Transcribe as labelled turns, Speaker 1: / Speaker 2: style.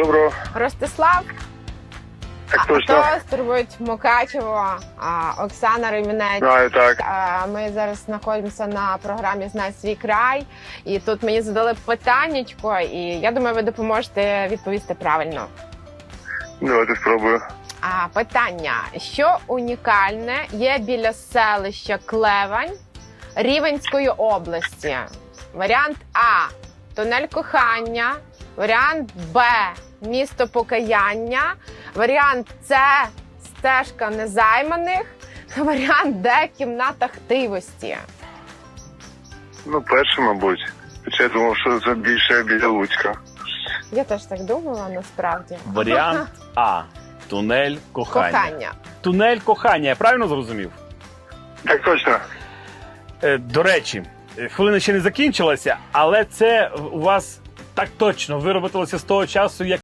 Speaker 1: Доброго.
Speaker 2: Ростислав,
Speaker 1: Так точно.
Speaker 2: хто турбують Мукачево, Оксана Ремінець.
Speaker 1: Знаю, так.
Speaker 2: Ми зараз знаходимося на програмі «Знай свій край». І тут мені задали питаннячко, і я думаю, ви допоможете відповісти правильно.
Speaker 1: Давайте спробую.
Speaker 2: Питання. Що унікальне є біля селища Клевань Рівненської області? Варіант А – тунель кохання. Варіант Б – місто покаяння. Варіант С – стежка незайманих. Варіант Д – кімната хтивості.
Speaker 1: Ну, перше, мабуть. Хоча я думав, що це більше біля Луцька.
Speaker 2: Я теж так думала, насправді.
Speaker 3: Варіант А. Тунель кохання.
Speaker 2: Кохання.
Speaker 3: Тунель кохання, я правильно зрозумів?
Speaker 1: Так точно.
Speaker 3: До речі, хвилина ще не закінчилася, але це у вас так точно вироботилося з того часу, як